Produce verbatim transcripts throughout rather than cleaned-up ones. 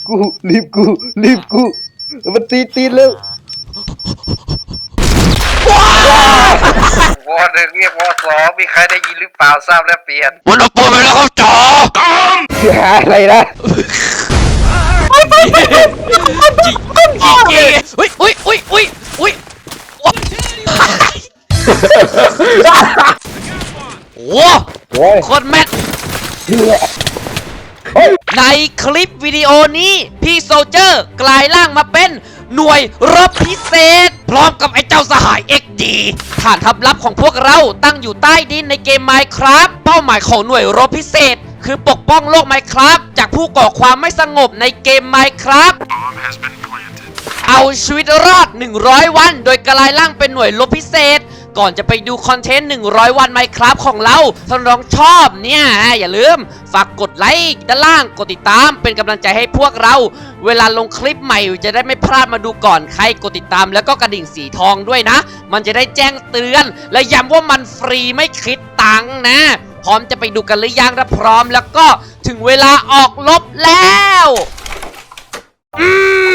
กูรีบกูรีบกูมันตีตีแล้ววอหนึ่งเรียกวอสองมีใครได้ยินหรือเปล่าทราบแล้วเปลี่ยนวันออกตัวไปแล้วครับจ๋าอะไรนะอุ้ยอุ้ยอุ้ยอุ้ยอุ้ยโอ้โหโคตรแม่นในคลิปวิดีโอนี้พี่โซลเจอร์กลายร่างมาเป็นหน่วยรบพิเศษพร้อมกับไอ้เจ้าสหาย เอ็กซ์ ดี ฐานทัพลับของพวกเราตั้งอยู่ใต้ดินในเกม Minecraft เป้าหมายของหน่วยรบพิเศษคือปกป้องโลก Minecraft จากผู้ก่อความไม่สงบในเกม Minecraft เอาชีวิตรอดหนึ่งร้อยวันโดยกลายร่างเป็นหน่วยรบพิเศษก่อนจะไปดูคอนเทนต์หนึ่งร้อยวัน Minecraft ของเราถ้าน้องชอบเนี่ยอย่าลืมฝากกดไลค์ด้านล่างกดติดตามเป็นกำลังใจให้พวกเราเวลาลงคลิปใหม่จะได้ไม่พลาดมาดูก่อนใครกดติดตามแล้วก็กระดิ่งสีทองด้วยนะมันจะได้แจ้งเตือนและย้ำว่ามันฟรีไม่คิดตังค์นะพร้อมจะไปดูกันหรือยังถ้าพร้อมแล้วก็ถึงเวลาออกรบแล้วอื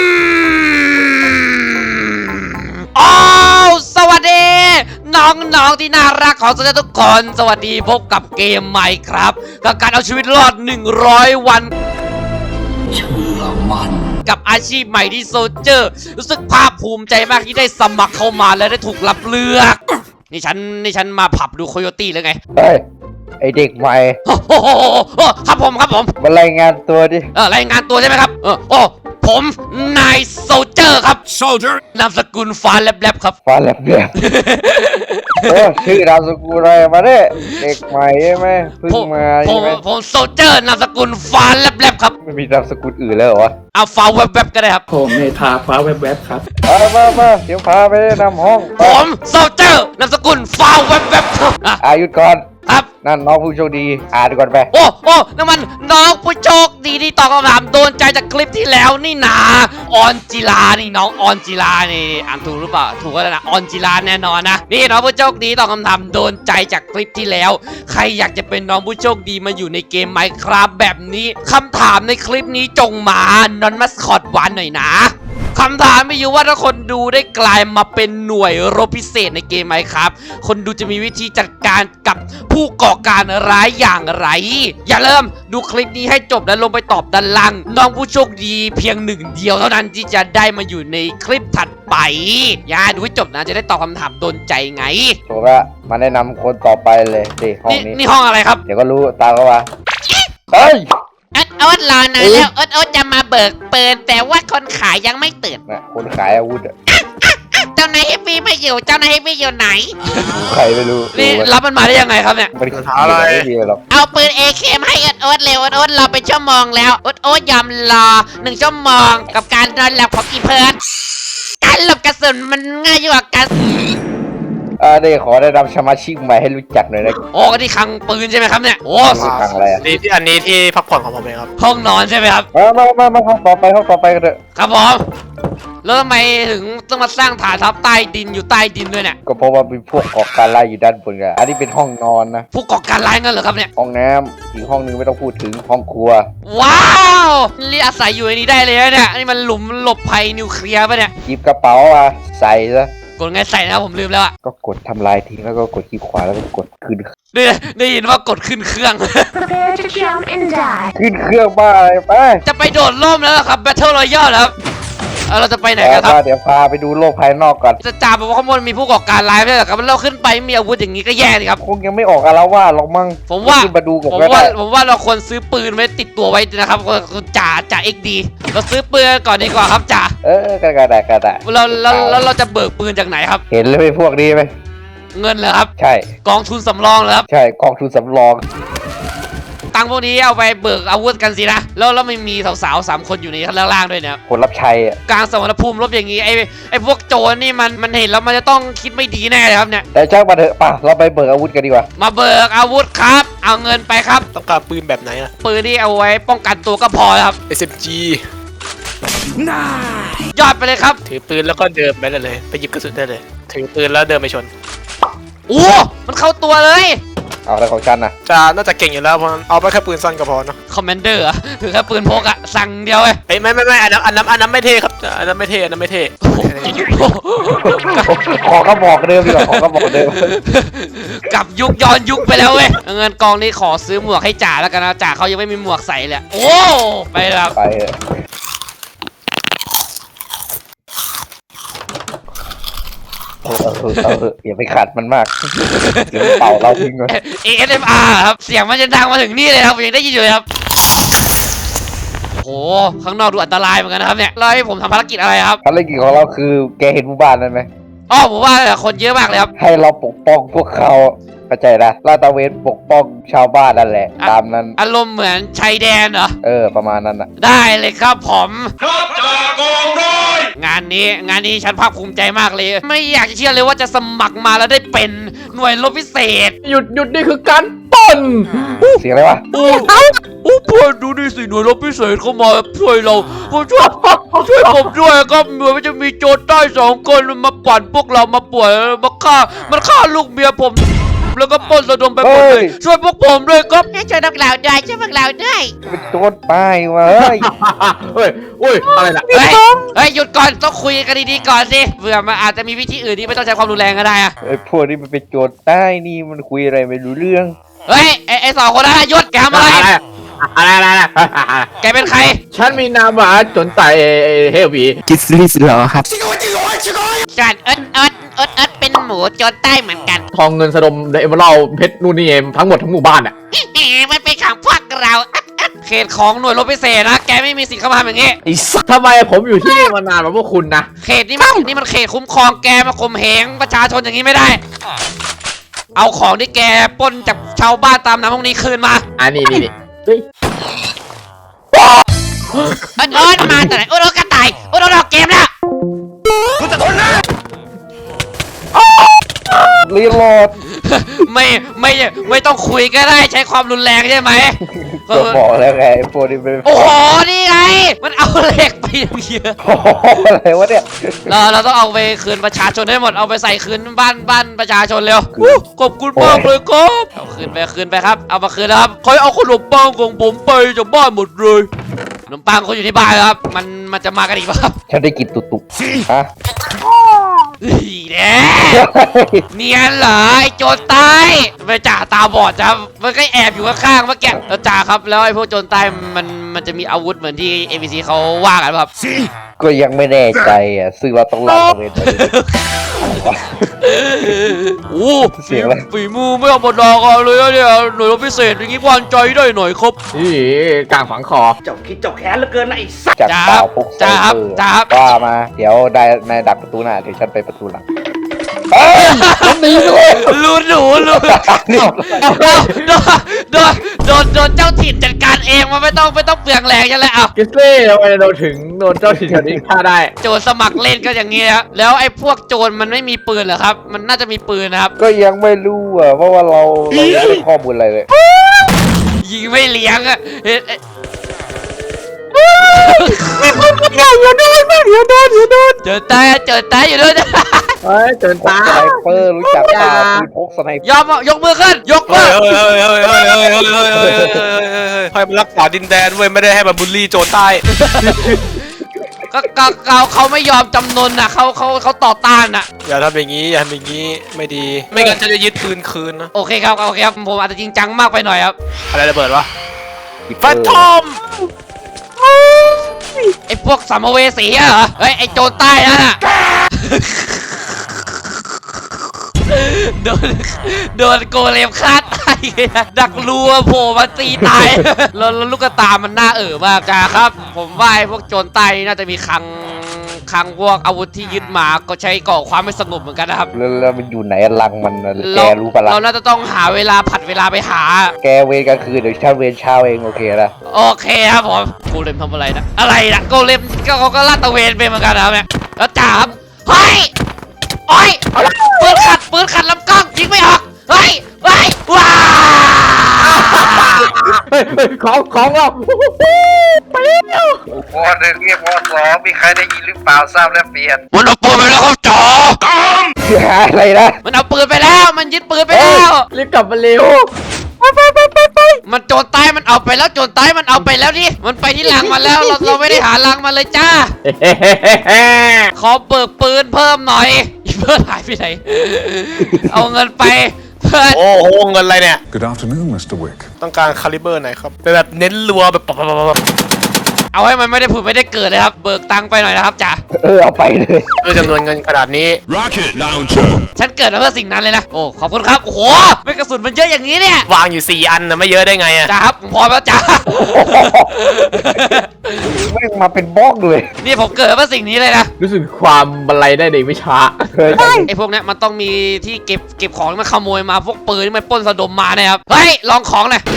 มอ้าวสวัสดีน้องๆที่น่ารักของทุกคนสวัสดีพบกับเกมใหม่ครับกับการเอาชีวิตรอดหนึ่งร้อยวันเชื่อมันกับอาชีพใหม่ที่โซลเจอร์รู้สึกภาคภูมิใจมากที่ได้สมัครเข้ามาและได้ถูกรับเลือกนี่ฉันนี่ฉันมาผับดูโคโยตี้แล้วไงเฮ้ยไอเด็กใหม่โอ้โหครับผมครับผมมารายงานตัวดิเออรายงานตัวใช่ไหมครับเออโอ้ผมนายโซลเจอร์ครับโซลเจอร์นามสกุลฟ้าแลบๆครับฟ้าแลบเนี่ยโอ้ชื่อนามสกุลอะไรมาเนี่ยเด็กใหม่ใช่ไหมเพิ่งมาใช่ไหมผมโซลเจอร์นามสกุลฟ้าแลบๆครับไม่มีนามสกุลอื่นแล้วเหรอวะเอาฟ้าแวบๆก็ได้ครับผมเมธาฟ้าแวบๆครับมามามาเดี๋ยวพาไปนำห้องผมโซลเจอร์นามสกุลฟ้าแวบๆครับอายุก่อนครับนั่นน้องผู้โชคดีอ่านก่อนไปโอ้โอ้นั่นมันน้องผู้โชคดีที่ตอบคำถามโดนใจจากคลิปที่แล้วนี่นาออนจิลานี่น้องออนจิลานี่อ่านถูกหรือเปล่าถูกก็แล้วนะออนจิลาแน่นอนนะนี่น้องผู้โชคดีตอบคำถามโดนใจจากคลิปที่แล้วใครอยากจะเป็นน้องผู้โชคดีมาอยู่ในเกม Minecraft แบบนี้คำถามในคลิปนี้จงมานอนมัสคอตหวานหน่อยนะคำถามไม่อยู่ว่าถ้าคนดูได้กลายมาเป็นหน่วยรบพิเศษในเกมไหมครับคนดูจะมีวิธีจัดการกับผู้ก่อการร้ายอย่างไรอย่าลืมดูคลิปนี้ให้จบแล้วลงไปตอบด้านล่างน้องผู้โชคดีเพียงหนึ่งเดียวเท่านั้นที่จะได้มาอยู่ในคลิปถัดไปอย่าดูให้จบนะจะได้ตอบคำถามโดนใจไงถูกละมาแนะนำคนต่อไปเลยดิห้องนี้นี่ห้องอะไรครับเดี๋ยวก็รู้ตามเขาว่าเฮ้ยเอิร์ดเอิร์ดรอนานแล้วเอิร์ดเอิร์ดจะมาเบิกเปิดแต่ว่าคนขายยังไม่ตื่นนะคนขายอาวุธอะเจ้านายเฮฟวี่ไม่อยู่เจ้านายเฮฟวี่อยู่ไหนใครไม่รู้นี่รับมันมาได้ยังไงครับเนี่ยมันขายอะไรเอาปืน เอ เค มาให้เอิร์ดเอิร์ดเร็วเอิร์ดเอิร์ดรอเป็นชั่วโมงแล้วเอิร์ดเอิร์ดยอมรอหนึ่งชั่วโมงกับการนอนหลับของอีเพิร์ดการหลบกระสุนมันง่ายกว่ากันอ่าได้ขอแนะนำสมาชิกใหม่ให้รู้จักหน่อยนะโอ้ก็ที่คลังปืนใช่ไหมครับเนี่ยโอ้คลังอะไรนี่ที่อันนี้ที่พักผ่อนของผมเองครับห้องนอนใช่ไหมครับมามามามาห้องต่อไปห้องต่อไปกันเถอะครับผมแล้วทำไมถึงต้องมาสร้างฐานทัพใต้ดินอยู่ใต้ดินด้วยเนี่ยก็เพราะว่ามีพวกก่อการร้ายอยู่ด้านบนไงอันนี้เป็นห้องนอนนะพวกก่อการร้ายงั้นเหรอครับเนี่ยห้องน้ำอีกห้องนึงไม่ต้องพูดถึงห้องครัวว้าวนี่อาศัยอยู่ในนี้ได้เลยเนี่ยนี่มันหลุมหลบภัยนิวเคลียร์ป่ะเนี่ยหยิบกระเป๋ามาใส่ซะกดไงใส่นะผมลืมแล้วอ่ะก็กดทำลายทิ้งแล้วก็กดคลิกขวาแล้วก็กดขึ้นได้ได้ยินว่ากดขึ้นเครื่องขึ้นเครื่องบ้าอะไรไปจะไปโดดร่มแล้วครับ Battle Royale แล้วเราจะไปไหนกันครับเดี๋ยวพาไปดูโลกภายนอกก่อนจะจ่าบอกว่าข้างบนมีผู้ก่อการร้ายไม่ใช่หรอครับเราขึ้นไปมีอาวุธอย่างนี้ก็แย่สิครับคงยังไม่ออกอาละว่าหรอกมั้งผมว่ามาดูผมว่าผมว่าเราควรซื้อปืนไว้ติดตัวไว้นะครับจ่าจ่าเอ็กดีเราซื้อปืนก่อนดีกว่าครับจ่าเออก็ได้ก็ได้เราแล้วแล้วเราจะเบิกปืนจากไหนครับเห็นเลยพวกนี้ไหมเงินเหรอครับใช่กองทุนสำรองเหรอครับใช่กองทุนสำรองตังพวกนี้เอาไปเบิกอาวุธกันสินะแล้วแล้วไม่มีสาวๆสามคนอยู่ในข้างล่างด้วยเนี่ยคนรับใช้อ่ะกลางสมรภูมิรบอย่างนี้ไอ้ไอ้พวกโจรนี่มันมันเห็นแล้วมันจะต้องคิดไม่ดีแน่เลยครับเนี่ยแต่ช่างมาเถอะป่ะเราไปเบิกอาวุธกันดีกว่ามาเบิกอาวุธครับเอาเงินไปครับต้องการปืนแบบไหนนะปืนที่เอาไว้ป้องกันตัวก็พอครับเอส เอ็ม จีน่ายอดไปเลยครับถือปืนแล้วก็เดินไปเลยเลยไปหยิบกระสุนได้เลยถือปืนแล้วเดินไปชนโอ้มันเข้าตัวเลยเอาอะไรของฉันนะจะน่าจะเก่งอยู่แล้วเพราะเอาไปแค่ปืนสั้นก็พอเนาะคอมมานเดอร์อะถือแค่ปืนพกอะสั่งเดียวเลยเอ้ยไม่ไม่ไม่อันนั้นอันนั้นอันนั้นไม่เท่ครับอันนั้นไม่เท่อันนั้นไม่เท่ขอกระบอกเดิมดีกว่าขอกระบอกเดิมกลับยุคย้อนยุคไปแล้วเว้ยเงินกองนี้ขอซื้อหมวกให้จ่าแล้วกันนะจ่าเขายังไม่มีหมวกใส่เลยโอ้ไปแล้วไปเถอะเอาเถอะเอาเถอะอย่าไปขัดมันมากเดี๋ยวเป่าเราทิ้งมันเอ เอส เอ็ม อาร์ ครับเสียงมันจะดังมาถึงนี่เลยครับผมยังได้ยินอยู่เลยครับโอ้โหข้างนอกดูอันตรายเหมือนกันนะครับเนี่ยแล้วให้ผมทำภารกิจอะไรครับภารกิจของเราคือแกเห็นหมู่บ้านนั้นไหมอ๋อผมว่าคนเยอะมากเลยครับให้เราปกป้องพวกเขาเข้าใจนะลาดตระเวนปกป้องชาวบ้านนั่นแหละ ตามนั้นอารมณ์เหมือนชายแดนเหรอเออประมาณนั้นอ่ะได้เลยครับผมงานนี้งานนี้ฉันภาคภูมิใจมากเลย ไม่อยากจะเชื่อเลยว่าจะสมัครมาแล้วได้เป็นหน่วยรบพิเศษหยุดหยุดนี่คือการปล้นเสียงอะไรวะโอ้โอ้เพื่อนดูนี่สิหน่วยรบพิเศษเข้ามาช่วยเราช่วยช่วยผมด้วยครับเหมือนมันจะมีโจรใต้สองคนมาปั่นพวกเรามาป่วยมาฆ่ามันฆ่าลูกเมียผมแล้วก็ปล้นระดมไปหมดเลยช่วยพวกผมด้วยครับช่วยพวกเราด้วยช่วยพวกเราด้วยเป็นโจรป้ายวะเฮ้ยเฮ้ยเฮ้ยอะไรล่ะเฮ้ยเฮ้ยหยุดก่อนต้องคุยกันดีๆก่อนสิเผื่อมันอาจจะมีวิธีอื่นที่ไม่ต้องใช้ความรุนแรงก็ได้อะไอ้พวกนี้มันเป็นโจรใต้นี่มันคุยอะไรไม่รู้เรื่องเฮ้ยไอ้ไอ้สองคนนั้นหยุดแกทำอะไรอะไรอะไรอะไรแกเป็นใครฉันมีนามว่าจนไตเฮวีกิสลิสเหรอครับจัดเอิดเอิดเอิดเอิดเป็นหมูโจรใต้เหมือนกันทองเงินสะดมเอเมอรัลเพชรนู่นนี่เองทั้งหมดทั้งหมู่บ้านอ่ะแหมมันเป็นของพวกเราเขตของหน่วยรบพิเศษนะ แกไม่มีสิทธิ์เข้ามาทำอย่างงี้ไอ้สัสทำไมผมอยู่ที่นี่มานานกว่าพวกคุณนะเขตนี้มันนี่มันเขตคุ้มครองแกมาข่มเหงประชาชนอย่างนี้ไม่ได้ เอาของที่แกปล้นจากชาวบ้านตามน้ำพวกนี้คืนมาอันนี้นี่นี่เฮ้ยเอิดเอิดมาแต่ไหนโอ้โหกระต่ายโอ้โหดอกเกมแล้วรีโหลดไม่ไม่ไม่ต้องคุยก็ได้ใช้ความรุนแรงใช่ไหมก็บอกแล้วไงไอ้พวกนี้เป็นโอ้โหนี่ไงมันเอาเหล็กไปเยอะโอ้โหอะไรวะเนี่ยเราเราต้องเอาไปคืนประชาชนให้หมดเอาไปใส่คืนบ้านบ้านประชาชนเร็วอู้ขอบคุณมากเลยครับเอาคืนไปคืนไปครับเอามาคืนแล้วครับคอยเอาขนมปังของผมไปจากบ้านหมดเลยขนมปังเขาอยู่ที่บ้านครับมันมันจะมากันอีกป่ะครับฉันได้กลินตุตุฮะอีแน่เนียนเหรอไอ้โจรใต้ไปจ่าตาบอดจ้ะมันก็แอบอยู่ข้างๆเมื่อกี้แล้วจ่าครับแล้วไอ้พวกโจรใต้มันมันจะมีอาวุธเหมือนที่ เอ็ม บี ซี เขาว่ากันป่ะครับก็ยังไม่แน่ใจอ่ะซึ่งเราต้องลาดตระเวนไปโอ้เสียงอะไรฝีมือไม่ธรรมดากันเลยอะเนี่ยหน่วยรบพิเศษอย่างงี้วางใจได้หน่อยครับนี่กลางฝังคอเจ้าคิดเจ้าแค้นเหลือเกินนะไอ้สัสจากจ้าเปล่าพกใส่จ้าครับเออจ้าครับว่ามา เดี๋ยวได้นายดักประตูหน้าเดี๋ยวฉันไปประตูหลังเอ้ยฉันหนีด้วยรู้หนูรู้โดนโดนโดนโดนโดนเจ้าถิ่นจัดการเองมันไม่ต้องไม่ต้องเปลืองแรงใช่ไหมอ่ะกิสเล่ทำไมเราถึงโดนเจ้าถิ่นแถวนี้ฆ่าได้โจรสมัครเล่นก็อย่างงี้ครับแล้วไอ้พวกโจรมันไม่มีปืนเหรอครับ มันน่าจะมีปืนนะครับก็ยังไม่รู้อ่ะเพราะว่าเราเราไม่ได้ข้อมูลอะไรเลยยิงไม่เลี้ยงอะเอ๊ะเอ๊ะเจอตายเจอตายอยู่ด้วยเฮ้ยเจินพกตาสไนเปอร์รู้จักเปล่าปืนพกสไนเปอร์ยอมอ่ะยกมือขึ้น ยกมืเฮ้อยเฮ้ยเฮ้ยเฮ้ยเฮ้ยเฮ้ยเฮ้ยเฮ้ยเฮ้ยเฮ้ยเฮ้ยให้มันรักษาดินแดนเว้ยไม่ได้ให้มันบูลลี่โจรใต้ก็ก็เขาเขาไม่ยอมจำนนนะเขาเขาเขาต่อต้านนะอย่าทำอย่างนี้อย่าทำอย่างนี้ไม่ดี ไม่งั้นจะได้ยึดปืนคืนนะโอเคครับโอเคครับผมอาจจะจริงจังมากไปหน่อยครับอะไรระเบิดวะเอแฟนทอมไอ้พวกสัมภเวสีอะเหรอเฮ้ยไอ้โจรใต้นั่นน่ะ โดนโดนโกเลมฆ่าตายดักรัวโผล่มาตีตาย แล้วแล้วลูกกระตามันน่าเอ๋อมากจ้าครับ ผมว่าไอ้พวกโจรใต้นี่น่าจะมีคลังคลังพวกอาวุธที่ยึดมาก็ใช้ก่อความไม่สงบเหมือนกันนะครับแล้วแล้วมันอยู่ไหนลังมันน่ะแกเรารู้ปะล่ะเราน่าจะต้องหาเวลาผัดเวลาไปหาแกเวรกลางคืนเดี๋ยวฉันเวรเช้าเองโอเคนะโอเคครับผมโกเลมทำอะไรนะอะไรนะโกเลมก็เขาก็ลาดตระเวนไปเหมือนกันนะครับเนี่ยแล้วจ่าครับเฮ้ยโอ้ยปืนขัดปืนขัดลำกล้องยิงไม่ออกเฮ้ยเฮ้ยว้าเฮ้ฮ้ยเฮ้ยของของเราไปแล้ววอหนึ่งเรียกวอสองมีใครได้ยินหรือเปล่าทราบและเปลี่ยนมันเอาปืนไปแล้วครับจ๋าอะไรนะมันเอาปืนไปแล้วมันยึดปืนไปแล้วรีบกลับมาเร็วมันโจรใต้มันเอาไปแล้วโจรใต้มันเอาไปแล้วดิมันไปที่หลังมาแล้วเราเราไม่ได้หาหลังมาเลยจ้า ขอเบิกปืนเพิ่มหน่อยอีเพื่อนหายไปไหน เอาเงินไปเพื่อนโอ้โหเงินอะไรเนี่ย Good afternoon, Mister Wick. ต้องการคาลิเบอร์ไหนครับเป็นแบบเน้นรัวแบบปับปับปับปับเอาให้มันไม่ได้ผุดไม่ได้เกิดเลยครับ เบิกตังค์ไปหน่อยนะครับจ๋าเออเอาไปเลยด้วยจำนวนเงินขนาดนี้ Rocket launcher. ฉันเกิดมาเพื่อสิ่งนั้นเลยนะ โอ้ขอบคุณครับ โอ้โหไม่กระสุนมันเยอะอย่างนี้เนี่ยวางอยู่สี่อันนะไม่เยอะได้ไงอะจ๋าครับผมพร้อมแล้วจ๋าแม่งมาเป็นบล็อกเลยนี่ผมเกิดมาเพื่อสิ่งนี้เลยนะรู้สึกความบันไลได้ในวิชาเคยไอ้พวกเนี้ยมันต้องมีที่เก็บเก็บของที่มันขโมยมาพวกปืนที่มันปล้นสะดมมาเนี่ยครับ เฮ้ยลองของหน่อย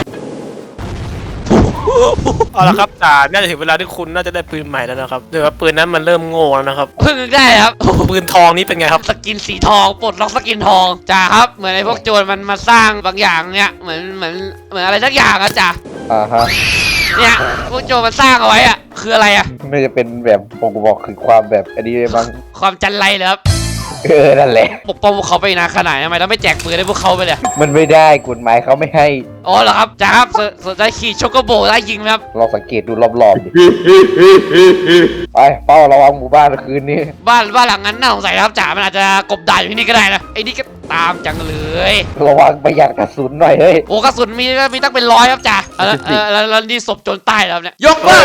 เอาละครับจ่าน่าจะถึงเวลาที่คุณน่าจะได้ปืนใหม่แล้วนะครับเดี๋ยวว่าปืนนั้นมันเริ่มโง่แล้วนะครับเพิ่งได้ครับปืนทองนี้เป็นไงครับสกินสีทองปลดล็อกสกินทองจ้าครับเหมือนไอ้พวกโจรมันมาสร้างบางอย่างเนี่ยเหมือนเหมือนเหมือนอะไรสักอย่างอะจ้าอ่าฮะเนี่ยพวกโจรมันสร้างเอาไว้อะคืออะไรอะน่าจะเป็นแบบผมบอกคือความแบบอันนี้บางความจันไรเหรอครับเออนั่นแหละปกป้องพวกเขาไปนานขนาดไหนทำไมต้องไม่แจกปืนให้พวกเขาไปเลยมันไม่ได้กฎหมายเขาไม่ให้อ๋อเหรอครับจ้าครับสสนใจขี่โชโกโบได้ยิงไหมครับเราสังเกตดูรอบๆดิไปเฝ้าระวังหมู่บ้านคืนนี้บ้านบ้านหลังนั้นน่าสงสัยนะครับจ๋ามันอาจจะกบดานอยู่ที่นี่ก็ได้นะไอ้นี่ก็ตามจังเลยระวังประหยัดกระสุนหน่อยเฮ้ยโอ้กระสุนมีมีตั้งเป็นร้อยครับจ๋าเออเออแล้วแล้วนี่ศพโจรใต้แล้วเนี่ยยกมือ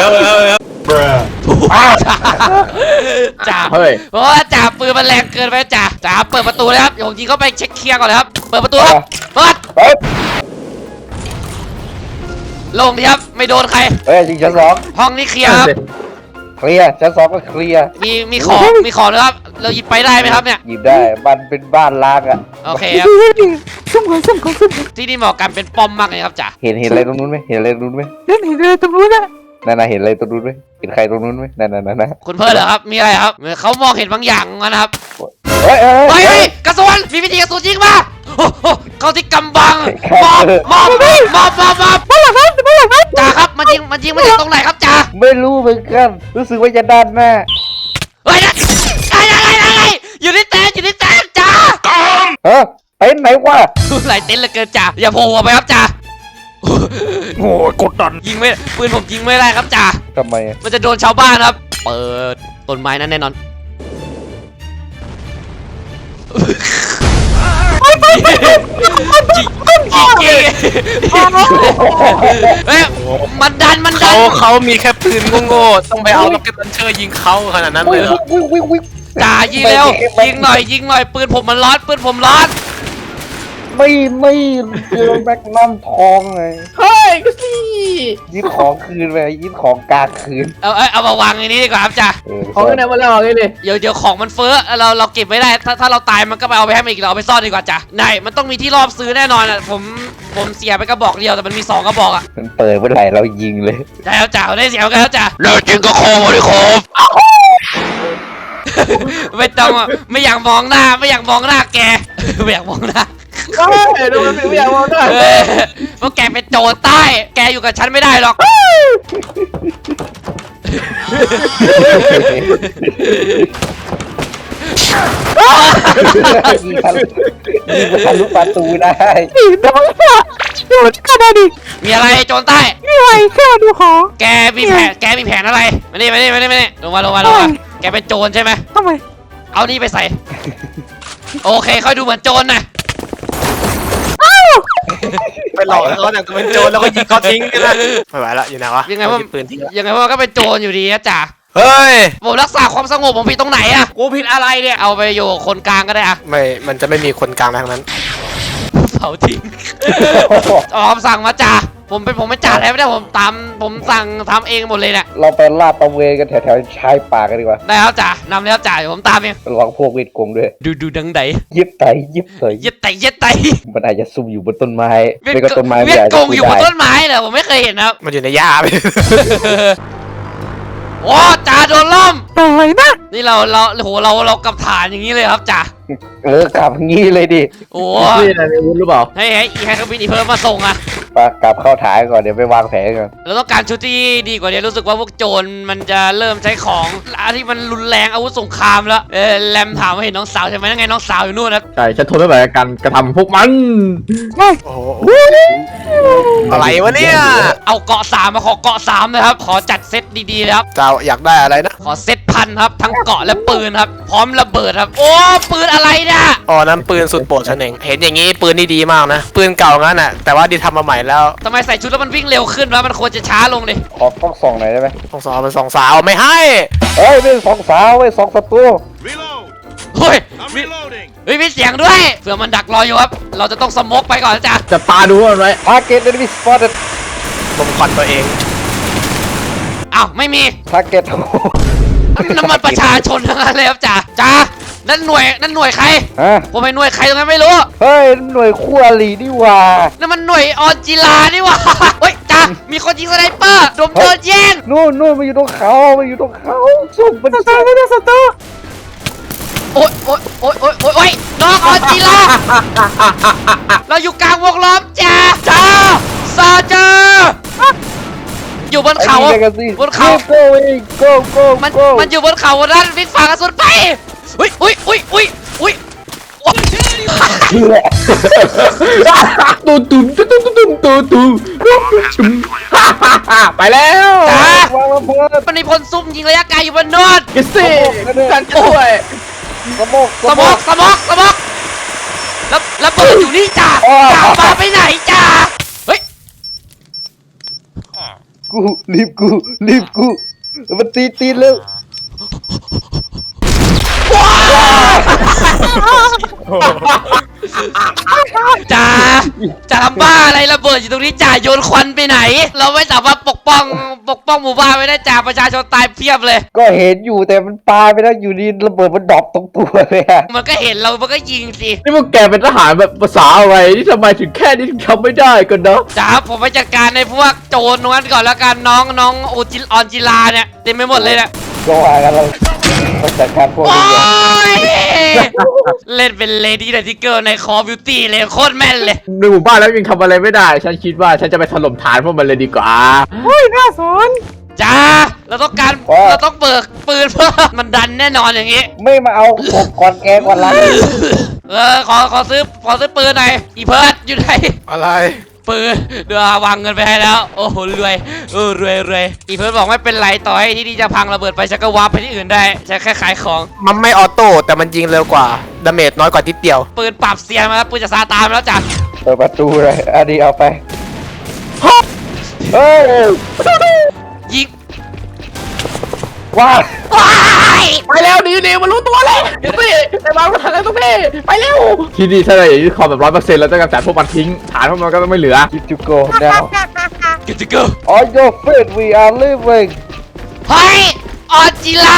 จ่าเฮ้ยเพราะว่าจ่าปืนมันแรงเกินไปจ่าจ่าเปิดประตูเลยครับเดี๋ยวผมยิงเข้าไปเช็คเคลียร์ก่อนเลยครับเปิดประตูครับเปิดเฮ้ยลงดีครับไม่โดนใครเฮ้ยยิงชั้นสองห้องนี้เคลียร์ครับเคลียร์ชั้นสองก็เคลียร์มีมีของมีของเลยครับเราหยิบไปได้ไหมครับเนี่ยหยิบได้มันเป็นบ้านล้างอ่ะโอเคครับที่นี่เหมาะกันเป็นป้อมมากเลยครับจ่าเห็นเห็นอะไรตรงนู้นไหมเห็นอะไรตรงนู้นไหมเล่นเห็นเลยตรงนู้นนะนั่นน่ะเห็นอะไรตรงนู้นไหมเห็นใครตรงนู้นไหมนั่นน่ะนั่นน่ะคุณเพิ่นเหรอครับมีอะไรครับเหมือนเขามองเห็นบางอย่างนะครับเฮ้ยเฮ้ยเฮ้ยเฮ้เฮ้ยยกระสุนมีวิธีกระสุนยิงมาโอ้โหเขาที่กำบังมอบมอบมอบมอบมอบบ้านหลังนั้นบ้านหลังนั้นจ่าครับมันยิงมันยิงมาจากตรงไหนครับจ่าไม่รู้เหมือนกันรู้สึกว่าจะด้านหน้าเฮ้ยนะอะไรอะไรอะไรอยู่ที่แตนอยู่ที่แตนจ่าเฮ้ยเต็นท์ไหนวะหลายเต็นท์เหลือเกินจ่าอย่าโผล่ออกไปครับจ่าโอ้ยกดดันยิงไม่ปืนผมยิงไม่ได้ครับจ่าทำไมอะมันจะโดนชาวบ้านครับ เปิดต้นไม้นั้นแน่นอนยิงยิงเฮ้ยมันดันมันดัเขานเขามีแค่ปืนโง่ๆต้องไปเอาล็อกเก็ตลันเชอร์ยิงเขาขนาดนั้นเลยเหรอวิ่งวิ่งวิ่งจ่ายิงเร็วยิงหน่อยยิงหน่อยปืนผมมันร้อนปืนผมร้อนไม่ไม่เจอแม็กนัมทองไงเฮ้ยก็สิยึดของคืนไปยึดของกลางคืนเอาเอาเอามาวางในนี้ดีกว่าครับจ่าเออของกันไหนมาแล้วเลยเลยเดี๋ยวเดี๋ยวของมันเฟ้อเราเราเก็บไม่ได้ถ้าถ้าเราตายมันก็ไปเอาไปให้มันอีกเราเอาไปซ่อนดีกว่าจ้ะไหนมันต้องมีที่รอบซื้อแน่นอนอ่ะผมผมเสียไปกระบอกเดียวแต่มันมีสองกระบอกอ่ะมันเปิดเมื่อไหร่เรายิงเลยใช่แล้วจ้ะได้เสียกันแล้วจ้ะแล้วจริงก็โคมาดิโคไม่ต้องอ่ะไม่อยากมองหน้าไม่อยากมองหน้าแก ไม่อยากมองหน้าเฮ้ยดูมันเป็นไม่อยากมองด้วยเออเพราะแกเป็นโจรใต้แกอยู่กับฉันไม่ได้หรอกยิงทะลุยิงทะลุประตูได้นี่โดนละโดนกันนะดิมีอะไรโจรใต้นี่ไงแค่มาดูของแกมีแผนแกมีแผนอะไรมานี่มานี่มานี่มานี่ลงมาลงมาลงมาแกเป็นโจรใช่ไหมทำไมเอานี่ไปใส่ โอเคค่อยดูเหมือนโจรนะไปหลอกเขาเนี่ยกูเป็นโจรแล้วก็ยิงเขาทิ้งกันนะไม่ไหวละอยู่ไหนวะยังไงว่าหยิบปืนทิ้งละยังไงว่าก็เป็นโจรอยู่ดีนะจ๊ะเฮ้ยผมรักษาความสงบผมผิดตรงไหนอะกูผิดอะไรเนี่ยเอาไปอยู่กับคนกลางก็ได้อะไม่มันจะไม่มีคนกลางทั้งนั้นเผาทิ้งออมสั่งมาจ้ะผมเป็นผมไม่จ่าแล้วไม่ได้ผมตามผมสั่งทำเองหมดเลยเนี่ยเราไปลาดตระเวนกันแถวๆชายป่ากันดีกว่าได้แล้วจ้ะนำแล้วจ้ะเดี๋ยวผมตามเองระวังพวกเวทกงด้วยดูดูดังไดยิบไตยิบเตยเย็ดไตเย็ดไตมันอาจจะซุ่มอยู่บนต้นไม้เวียไม่ก็ต้นไม้เวียดอาจกจะงอยู่บนได้ต้นไม้เหรอผมไม่เคยเห็นนะครับมันอยู่ในหญ้าไปโอ้จ่าโดนล่มอะไรนะนี่เราเราโหเราเรากับฐานอย่างนี้เลยครับจ่าเออกลับงี้เลยดิโอ้นี่อะไรในวุ้นหรือเปล่าให้ให้อีแฮกบินอีเพิ่มมาส่งอะไปกลับเข้าถ่ายก่อนเดี๋ยวไปวางแผนก่อนเราต้องการชุดที่ดีกว่านี้รู้สึกว่าพวกโจรมันจะเริ่มใช้ของที่มันรุนแรงอาวุธสงครามแล้วเออแรมถามว่าเห็นน้องสาวใช่ไหมนั่นไงน้องสาวอยู่นู่นนะใช่ฉันทนไม่ไหวกับการกระทำพวกมันโอ้โหอะไรวะเนี่ยเอาเกาะสามมาขอเกาะสามนะครับขอจัดเซตดีๆนะครับเจ้าอยากได้อะไรนะขอเซตพันครับทั้งเกาะและปืนครับพร้อมระเบิดครับโอ้ปืนอะไรเนี่ยอ๋อนั่นปืนสุดโปรดฉันเองเห็นอย่างงี้ปืนนี่ดีมากนะปืนเก่างั้นน่ะแต่ว่าดีทำมาใหม่แล้วทำไมใส่ชุดแล้วมันวิ่งเร็วขึ้นวะมันควรจะช้าลงดิขอกล้องส่องหน่อยได้ไหมสองสาวเป็นสองสาวไม่ให้เฮ้ยไม่ใช่สองสาวเว้ยสองศัตรูเฮ้ยมีเฮ้ยมีเสียงด้วยเผื่อมันดักรออยู่ครับเราจะต้องสโมกไปก่อนนะจ้ะจะตาดูมันไว้ Target enemy spotted ลมควันตัวเองอ้าวไม่มี Target น้ำมันประชาชนทั้งนั้นเลยครับจ้าจ้านั่นหน่วยนั่นหน่วยใครฮะผมไม่หน่วยใครตรงนั้นไม่รู้เฮ้ยหน่วยคู่อรินี่หว่านั่นมันหน่วยออนจิลานี่หว่าเฮ้ยจ้ามีคนยิงสไนเปอร์โดมโดนแย่งนู่นนู่นมาอยู่ตรงเขามาอยู่ตรงเขาสุ่มเป็นสตาร์ไม่ได้สตาร์โอ๊ยโอ๊ยโอ๊ยโอ๊ยโอ๊ยโอ๊ยน้องออนจิลาเราอยู่กลางวงล้อมจ้าจ้าซาจ้าอยู่บนเขาบนเขาโก้โก้โก้มันโก้มันอยู่บนเขาด้านวิ่งฝ่ากระสุนไปอุ้ยอุ้ยอุ้ยอุ้ยอุ้ยตูตุ่มตูตุ่มตูตุ่มตูตุ่มตุ่มไปแล้วจ้าวางระเบิดมันมีพลซุ่มยิงระยะไกลอยู่บนโน้นกิสซี่กันช่วยสมกสมอกสมอกสมอกแล้วแล้วเปิดอยู่นี่จ้าจ้ามาไปไหนจ้าเฮ้ยกูรีบกูรีบกูมันตีตีเร็วจ้าจะทำบ้าอะไรระเบิดอยู่ตรงนี้จ่าโยนควันไปไหน เราไม่สามารถปกป้องปกป้องหมู่บ้านไว้ได้จ่าประชาชนตายเพียบเลยก็เห็นอยู่แต่มันปาไปแล้วอยู่ดีระเบิดมันดรอปตรงตัวเลยอะมันก็เห็นเรามันก็ยิงสินี่พวกแกเป็นทหารแบบภาษาอะไรนี่ทำไมถึงแค่นี้ถึงทำไม่ได้กันเนาะจ้าผมไปจัดการในพวกโจรตรงนั้นก่อนแล้วกันน้องน้องโอจิออนจิลาเนี่ยเต็มไปหมดเลยเนี่ยก็ว่ากันเราเราจัดการพวกโอ้นี้เดี๋ยวยเล่นเป็นเลดี้ไดทิเกอร์ในคอบิวตี้เลยโคตรแม่นเลยในหมู่บ้านแล้วยังทำอะไรไม่ได้ ฉันคิดว่าฉันจะไปถล่มฐานพวกมันเลยดีกว่าเฮ้ยน่าสนจ้าเราต้องการเราต้องเบิกปืนเพื่อมันดันแน่นอนอย่างงี้ไม่มาเอาผมก่อนแกก่อนละเออขอขอซื้อขอซื้อปืนหน่อยอีเพิร์ดอยู่ไหนอะไรปืนเดี๋ยววางเงินไปให้แล้วโอ้โหรวยเออรวยรวยอีเพิร์ดบอกไม่เป็นไรต่อให้ที่นี่จะพังระเบิดไปฉันก็วาร์ปไปที่อื่นได้ฉันแค่ขายของมันไม่ออโต้แต่มันยิงเร็วกว่าดาเมจน้อยกว่าทิดเดียวปืนปรับเสียงมาแล้วปืนจะซาตานมาแล้วจ้ะเปิดประตูเลยอันนี้เอาไปเฮ้ยยิงว้าว้ายไปแล้วหนีหนีมันรู้ตัวเลยกิสซี่ไปวางรถถังกันตรงนี้ไปเร็วที่นี่ถ้าเราอย่างนี้คอมแบบร้อยเปอร์เซ็นต์แล้วจะกำจัดพวกมันทิ้งฐานพวกมันก็ต้องไม่เหลือคิดจูโก้ now กิตติเกิล on your feet we are living เฮ้ยออนจิลา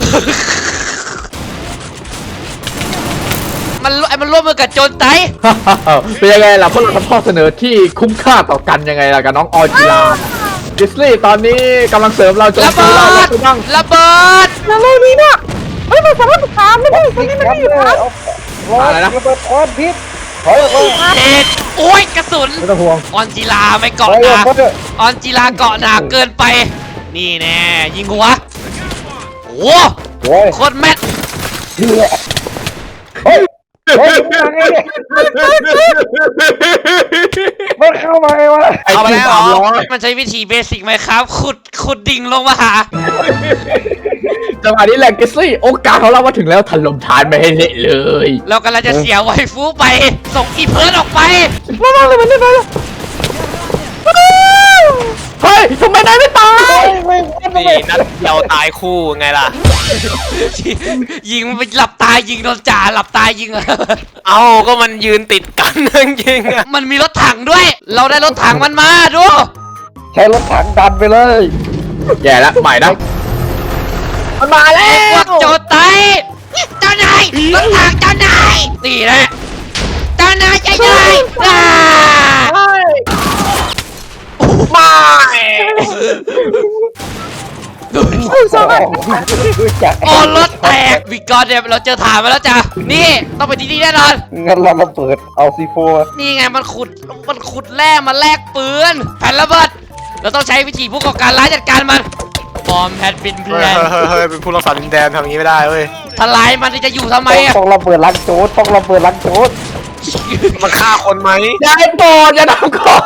มันไอ้มันร่วมมือกับโจรไตเป็นยังไงล่ะพวกเราทำข้อเสนอที่คุ้มค่าต่อกันยังไงล่ะกับน้องออจิลากิสลี่ตอนนี้กำลังเสริมเราโจมระตีเบิเราแล้วดคุณบ้างระเบิดแล้วเรื่องนี้เนี่ยเฮ้ยมันสามารถถามไม่ได้คนนี่นี้คไม่รับได้เลอยู่ยนะเอาร้อยระเบิดควันพิษถอยออกมาเอ็ดโอ้ยกระสุนไม่ต้องห่วงออนจิลาไม่ถเกาะอยหออนากมาเถอะออนจิลาเกาะหนาเกินไป นี่แน่ยิงหัวโอ้โอ้ยโคตรแม่นเฮ้ยเฮ้ยมันมาไงเนี่ยมันเข้ามาไงวะไอ้ที่สามร้อยมันใช้วิธีเบสิกไหมครับ ขุดขุดดิ่งลงมาหาจังหวะนี้แหละกิสลี่โอกาสของเรามาถึงแล้วถล่มฐานไปให้เละเลยเรากำลังจะเสียไวฟูไป ส่งอีเพิร์ดออกไประวังเลยมันได้ไหมเฮ้ยทำไมนายไม่ตายนี่นัดเดียวตายคู่ไงล่ะยิงไปหลับตายยิงโดนจ่าหลับตายยิงอะเอาก็มันยืนติดกันจริงๆอะมันมีรถถังด้วย เราได้รถถังมันมาดูใช้รถถังดันไปเลยแย่แล้วใหม่นะมันมาแล้พววกโจรไตเจ้านายรถถังเจ้านายนี่แหละเจ้านายใจนายอ่าไม่สองรู้จักโอ้รถแตกวิกอนเนี่ยเราเจอฐานมาแล้วจ้ะนี่ต้องไปที่นี่แน่นอนงั้นเรามาเปิดเอาซีโฟนี่ไงมันขุดมันขุดแร่มาแลกปืนแผ่นระเบิดเราต้องใช้วิธีผู้ก่อการร้ายจัดการมันบอมแพดบินแพเฮ้ลยนเฮ้ยเฮ้ยเป็นผู้รักษาดินแดนทำอย่างนี้ไม่ได้เว้ยทลายมันจะอยู่ทำไมอะต้องระเบิดลังโจดต้องระเบิดลังโจดมันฆ่าคนไหมอย่าให้โปรดอย่าทำก่อน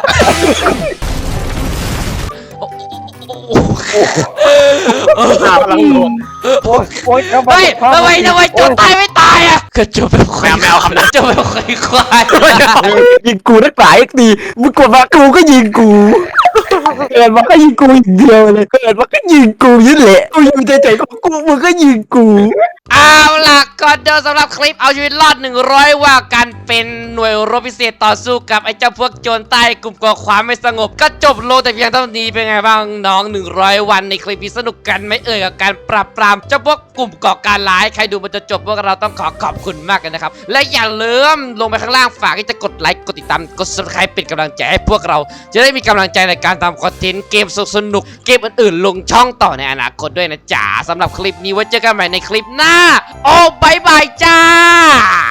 ฆ่ากำลังโดนโอ้ยโอ้ยเอามาเฮ้ยทำไมทำไมโจรตายไม่ตายอะก็โจรเป็นควายแมวคำนั้นโจรเป็นควายควายยิงกูนักหลายเอ็กดีมึงกดมากูก็ยิงกูเกิดมาก็ยิงกูอย่างเดียวเลยเกิดมาก็ยิงกูอยิ่แหละกูอยู่ใจๆของกูมึงก็ยิงกูเอาล่ะก่อนเดินสำหรับคลิปเอาชีวิตรอดหนึ่งร้อยว่าการเป็นหน่วยรบพิเศษต่อสู้กับไอ้เจ้าพวกโจรใต้กลุ่มก่อความไม่สงบก็จบลงแต่เพียงเท่านี้เป็นไงบ้างน้องหนึ่งร้อยวันในคลิปนี้สนุกกันไหมเอ่ยกับการปราบปรามเจ้าพวกกลุ่มก่อการร้ายใครดูมันจะจบพวกเราต้องขอขอบคุณมากเลยนะครับและอย่าลืมลงไปข้างล่างฝากที่จะกดไลค์กดติดตามกด ซับสไครบ์ เป็นกำลังใจให้พวกเราจะได้มีกำลังใจในการทำคอนเทนต์เกมสนุกๆเกมอื่นๆลงช่องต่อในอนาคตด้วยนะจ๊ะสำหรับคลิปนี้ไว้เจอกันใหม่ในคลิปหน้าโอ้บายบายจ้า